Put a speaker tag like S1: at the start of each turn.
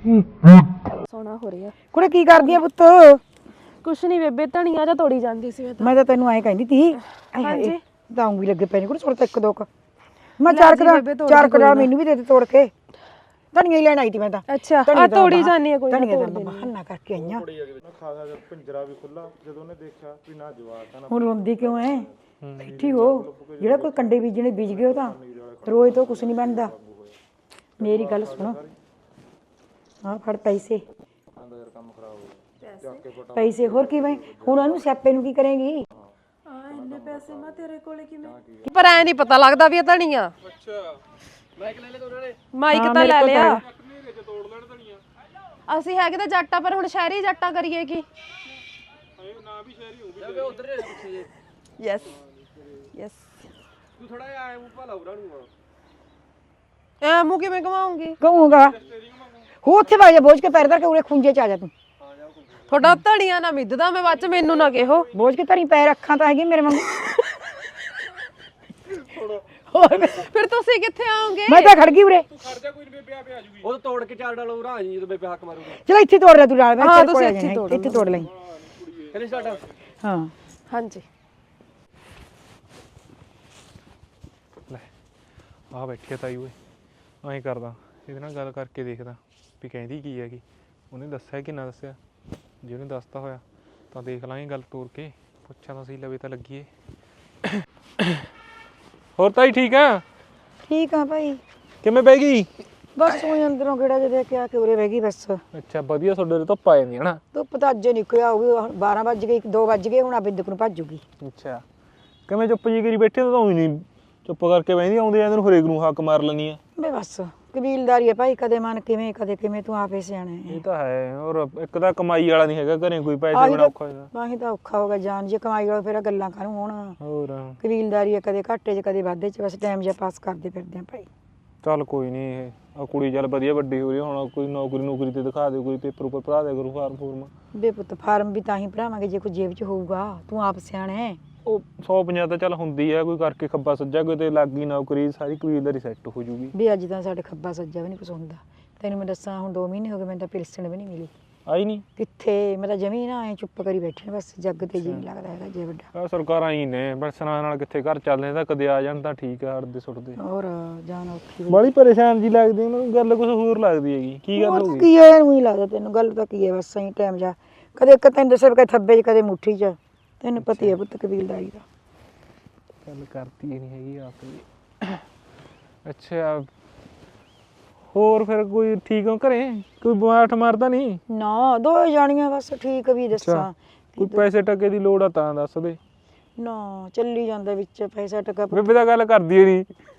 S1: ਸੋਹਣਾ ਹੋ ਰਿਹਾ।
S2: ਕੁੜੇ ਕੀ ਕਰਦੀ ਆ ਪੁੱਤ?
S1: ਕੁਛ ਨਹੀਂ ਬੇਬੇ, ਧਨੀਆ ਜਾਂ ਤੋੜੀ ਜਾਂਦੀ ਸੀ
S2: ਮੈਂ ਤਾਂ ਤੈਨੂੰ ਐਂ ਕਹਿੰਦੀ ਤੀ।
S1: ਹਾਂਜੀ
S2: ਤਾਂ ਉਂਗਲੀ ਲੱਗੇ ਪੈ ਨੇ ਕੁੜੇ ਸੁਣ ਤਾਂ ਇੱਕ ਦੋ ਕ ਮੈਂ
S1: ਲੈ
S2: ਚਾਰ
S1: ਜੀ
S2: ਕਰਾ
S1: ਬੇਬੇ, ਤੋੜ
S2: ਚਾਰ
S1: ਦੀ ਕੋਈ
S2: ਕਰਾ
S1: ਨਾ।
S2: ਮੈਨੂੰ ਵੀ ਦੇ ਦੇ ਤੋੜ ਕੇ। ਧਨੀਆ ਹੀ ਲੈਣ ਆਈ ਤੀ ਮੈਂ ਤਾਂ।
S1: ਅੱਛਾ
S2: ਧਨੀਆ
S1: ਆ
S2: ਤਾਂ
S1: ਤੋੜੀ
S2: ਬਾਹਰ-
S1: ਜਾਨੀ ਹੈ, ਕੋਈ ਨਾ
S2: ਧਨੀਆ
S1: ਤੋੜ
S2: ਤਾਂ
S1: ਦੇਣੀ।
S2: ਬਹਾਨਾ ਕਰਕੇ ਆਈਆਂ।
S3: ਖਾਸਾ ਜਿਹਾ ਪਿੰਜਰਾ ਵੀ ਖੁੱਲਾ, ਜਦੋਂ ਉਹਨੇ ਦੇਖਿਆ ਵੀ ਨਾ ਜਵਾਕ ਆ ਨਾ
S2: ਹੁਣ ਰੋਂਦੀ ਕਿਉਂ ਐ? ਬੈਠੀ ਹੋ। ਜਿਹੜਾ ਕੋਈ ਕੰਡੇ ਬੀਜਣੇ ਬੀਜ ਗਏ ਉਹ ਤਾਂ ਰੋਜ਼ ਤੋਂ ਕੁਛ ਨਹੀਂ ਬਣਦਾ। ਮੇਰੀ ਗੱਲ ਸੁਣੋ, ਹਾਂ ਫੜ ਪੈਸੇ। ਪੈਸੇ ਹੋਰ ਕਿਵੇਂ? ਹੁਣ ਉਹਨੂੰ ਸਿਆਪੇ ਨੂੰ ਕੀ ਕਰੇਂਗੀ?
S1: ਇੰਨੇ ਪੈਸੇ ਮੈਂ ਤੇਰੇ ਕੋਲੇ ਕਿਵੇਂ? ਪਰ ਐ ਨਹੀਂ ਪਤਾ ਲੱਗਦਾ ਵੀ ਇਹ ਧਨੀਆ।
S3: ਅੱਛਾ ਮਾਈਕ ਲੈ ਲੈ ਉਹਨਾਂ ਨੇ।
S1: ਮਾਈਕ ਤਾਂ ਲੈ ਲਿਆ। ਅਸੀਂ ਹੈਗੇ ਤਾਂ ਜੱਟਾਂ, ਪਰ ਹੁਣ ਸ਼ਹਿਰੀ ਜੱਟਾਂ ਕਰੀਏ ਕੀ?
S3: ਨਾ ਵੀ ਸ਼ਹਿਰੀ ਹੋਊਗੀ ਉਧਰ ਦੇ ਪਿੱਛੇ ਜੇ।
S1: Yes yes.
S3: ਤੂੰ ਥੋੜਾ ਜਿਹਾ ਆਏ ਮੂੰਹ ਭਲਾ ਉਰਾ ਨੂੰ
S1: ਐ ਮੂੰਹ ਕਿਵੇਂ ਘਮਾਉਂਗੀ?
S2: ਕਹੂੰਗਾ ਹੋ ਉੱਥੇ ਵਗ ਜਾ, ਬੋਝ ਕੇ ਪੈਰ ਧਰ ਕੇ ਉਰੇ ਖੁੰਝੇ ਚ ਆ ਜਾ ਤੂੰ।
S1: ਤੁਹਾਡਾ ਧਨੀਆ ਨਾ ਮਿੱਧਦਾ, ਮੈਂ ਬਾਅਦ ਚ ਮੈਨੂੰ ਨਾ ਕਿਹੋ।
S2: ਬੋਝ ਕੇ ਧਰੀ ਪੈਰ, ਅੱਖਾਂ ਤਾਂ ਹੈਗੀ ਮੇਰੇ ਵਾਂਗੂ।
S1: ਫਿਰ ਤੁਸੀਂ ਕਿੱਥੇ ਆਓਗੇ?
S2: ਮੈਂ ਤਾਂ ਖੜ ਗਈ ਉਰੇ।
S3: ਖੜ ਜਾ, ਕੋਈ ਬੇਬੇ ਆਪੇ ਆ ਜੂਗੀ। ਉਹ ਤੋੜ ਕੇ ਚਾਰ ਡਾਲੋ ਉਰਾ ਜੀ, ਜਦੋਂ ਬੇਬੇ ਹੱਕ ਮਾਰੂਗੀ।
S2: ਚਲ ਇੱਥੇ ਤੋੜ ਲੈ ਤੂੰ ਨਾਲ। ਮੈਂ
S1: ਹਾਂ,
S2: ਤੇਰੇ ਕੋਲ
S1: ਤੁਸੀਂ
S2: ਆ
S1: ਇੱਥੇ
S2: ਜਾਣਾ,
S1: ਤੋੜ
S2: ਇੱਥੇ ਤੋੜ ਲੈ।
S3: ਕਰੀ ਸਟਾਰਟ।
S2: ਹਾਂ
S1: ਹਾਂਜੀ
S3: ਲੈ ਆ ਬੈਠੀ ਤਾਈ ਓਏ, ਐਂ ਕਰਦਾ ਇਹਦੇ ਨਾਲ ਗੱਲ ਕਰਕੇ ਦੇਖਦਾ ਵੀ ਕਹਿੰਦੀ ਕੀ ਹੈਗੀ। ਉਹਨੇ ਦੱਸਿਆ ਕਿ ਨਾ ਦੱਸਿਆ? ਜੇ ਉਹਨੇ ਦੱਸਤਾ ਹੋਇਆ ਤਾਂ ਦੇਖ ਲਾਂਗੇ ਗੱਲ ਤੋਰ ਕੇ, ਪੁੱਛਾਂ ਤਾਂ ਸਹੀ ਲਵੇ ਤਾਂ ਲੱਗੀਏ। ਹੋਰ ਤਾਈ ਠੀਕ ਆ?
S2: ਠੀਕ ਆ ਭਾਈ।
S3: ਕਿਵੇਂ ਬਹਿ ਗਈ?
S2: ਬਸ ਉਹ ਅੰਦਰੋਂ ਗੇੜਾ ਜਿਹਾ ਦੇ ਕੇ ਆ ਕੇ ਉਰੇ ਬਹਿ ਗਈ ਬਸ।
S3: ਅੱਛਾ ਵਧੀਆ, ਤੁਹਾਡੇ ਉਰੇ ਧੁੱਪ ਆ ਜਾਂਦੀ ਹੈ ਨਾ।
S2: ਧੁੱਪ ਤਾਂ ਅੱਜ ਨਿਕਲਿਆ ਹੋਊਗੀ, 12 ਵੱਜ ਗਏ 2 ਵੱਜ ਗਏ, ਹੁਣ ਆ ਬਿੰਦਕ ਨੂੰ ਭੱਜੂਗੀ।
S3: ਅੱਛਾ ਕਿਵੇਂ ਚੁੱਪ ਜੀ ਕਰੀ ਬੈਠੇ ਤਾਂ ਹੀ ਨਹੀਂ ਚੁੱਪ ਕਰਕੇ ਬਹਿੰਦੀ, ਆਉਂਦੇ ਜਾਂਦੇ ਨੂੰ ਹਰੇਕ ਨੂੰ ਹੱਕ ਮਾਰ ਲੈਂਦੀ ਆ।
S2: ਬੇ ਬਸ ਕਬੀਲਦਾਰੀ ਹੈ ਭਾਈ, ਕਦੇ ਮਨ ਕਿਵੇਂ ਕਦੇ ਕਿਵੇਂ, ਤੂੰ ਆਪੇ ਸਿਆਣਾ ਹੈ।
S3: ਇਹ ਤਾਂ ਹੈ। ਔਰ ਇੱਕ ਤਾਂ ਕਮਾਈ ਵਾਲਾ ਨਹੀਂ ਹੈਗਾ ਘਰੇ, ਕੋਈ ਪੈਸੇ ਬਿਨਾ ਔਖਾ ਹੋਇਆ।
S2: ਬਾਹੀ ਤਾਂ ਔਖਾ ਹੋ ਗਿਆ ਜਾਨ, ਜੇ ਕਮਾਈ ਵਾਲਾ ਫਿਰ ਗੱਲਾਂ ਕਾਹਨੂੰ ਹੋਣ।
S3: ਹੋਰ
S2: ਕਬੀਲਦਾਰੀ ਹੈ, ਕਦੇ ਘਾਟੇ 'ਚ ਕਦੇ ਵਾਧੇ 'ਚ, ਬਸ ਟਾਈਮ ਜਿਹਾ ਪਾਸ ਕਰਦੇ ਫਿਰਦੇ ਆ ਭਾਈ।
S3: ਚੱਲ ਕੋਈ ਨਹੀਂ, ਇਹ ਆ ਕੁੜੀ ਚੱਲ ਵਧੀਆ ਵੱਡੀ ਹੋ ਰਹੀ, ਹੁਣ ਕੋਈ ਨੌਕਰੀ ਤੇ ਦਿਖਾ ਦੇ, ਕੋਈ ਪੇਪਰ ਉੱਪਰ ਭਰਾ ਦੇ ਕਰੂ ਫਾਰਮ ਫੂਰਮ।
S2: ਬੇ ਪੁੱਤ ਫਾਰਮ ਵੀ ਤਾਂ ਹੀ ਭਰਾਵਾਂਗੇ ਜੇ ਕੋਈ ਜੇਬ 'ਚ ਹੋਊਗਾ, ਤੂੰ ਆਪ ਸਿਆਣਾ ਹੈ।
S3: ਉਹ 150 ਤਾਂ ਚੱਲ ਹੁੰਦੀ ਆ, ਕੋਈ ਕਰਕੇ ਖੱਬਾ ਸੱਜਾ ਕੋਈ ਤੇ ਲੱਗ ਗਈ ਨੌਕਰੀ, ਸਾਰੀ ਕਬੀਲਦਾਰੀ ਸੈੱਟ ਹੋ ਜੂਗੀ।
S2: ਵੀ ਅੱਜ ਤਾਂ ਸਾਡੇ ਖੱਬਾ ਸੱਜਾ ਵੀ ਨਹੀਂ ਕੁਛ ਹੁੰਦਾ। ਤੈਨੂੰ ਮੈਂ ਦੱਸਾਂ, ਹੁਣ 2 ਮਹੀਨੇ ਹੋ ਗਏ ਮੈਨੂੰ ਤਾਂ ਪਿਲਸਣ ਵੀ ਨਹੀਂ ਮਿਲੀ।
S3: ਆਈ ਨਹੀਂ
S2: ਕਿੱਥੇ, ਮੈਂ ਤਾਂ ਜਮੀ ਨਾ ਐ ਚੁੱਪ ਕਰੀ ਬੈਠੇ ਬਸ, ਜੱਗ ਤੇ ਜੀ ਨਹੀਂ ਲੱਗਦਾ ਹੈਗਾ ਜੇ ਵੱਡਾ।
S3: ਆ ਸਰਕਾਰਾਂ ਹੀ ਨੇ ਬਰਸਨਾਂ ਨਾਲ ਕਿੱਥੇ ਘਰ ਚੱਲਦੇ, ਤਾਂ ਕਦੇ ਆ ਜਾਣ ਤਾਂ ਠੀਕ ਆ, ਹੜਦੇ ਸੁੱਟਦੇ।
S2: ਹੋਰ ਜਾਨ ਔਖੀ
S3: ਬੜੀ ਪਰੇਸ਼ਾਨ ਜੀ ਲੱਗਦੀ ਉਹਨੂੰ, ਗੱਲ ਕੁਝ ਹੋਰ ਲੱਗਦੀ ਹੈਗੀ। ਕੀ ਗੱਲ ਹੋ ਗਈ?
S2: ਕੀ ਹੈ, ਉਹੀ ਲੱਗਦਾ ਤੈਨੂੰ? ਗੱਲ ਤਾਂ ਕੀ ਹੈ, ਬਸ ਸਹੀ ਟਾਈਮ ਜਾ, ਕਦੇ ਇੱਕ ਤੈਨੂੰ ਦੱਸਿਆ ਕਦੇ ਥੱਬੇ 'ਚ ਕਦੇ ਮੁੱਠੀ 'ਚ, ਤੈਨੂੰ ਪਤਾ ਹੀ ਹੈ ਪੁੱਤ ਕਬੀਲਦਾਰੀ ਦਾ।
S3: ਗੱਲ ਕਰਤੀ ਨਹੀਂ ਹੈਗੀ ਆਪ ਜੀ। ਅੱਛਾ ਹੋਰ ਫਿਰ ਕੋਈ ਠੀਕ ਹੋ ਘਰੇ? ਕੋਈ ਬਿਮਾਰ ਮਾਰਦਾ ਨਹੀਂ?
S2: ਨਾ 2 ਜਾਣੀਆਂ ਬਸ, ਠੀਕ ਵੀ ਦੱਸਾਂ।
S3: ਕੋਈ ਪੈਸੇ ਟਕੇ ਦੀ ਲੋੜ ਆ ਤਾਂ ਦੱਸ ਦੇ।
S2: ਨਾ ਚੱਲੀ ਜਾਂਦਾ ਵਿੱਚ ਪੈਸਾ ਟਕਾ।
S3: ਬੇਬੇ ਦਾ ਗੱਲ ਕਰਦੀ ਏ ਨਹੀਂ।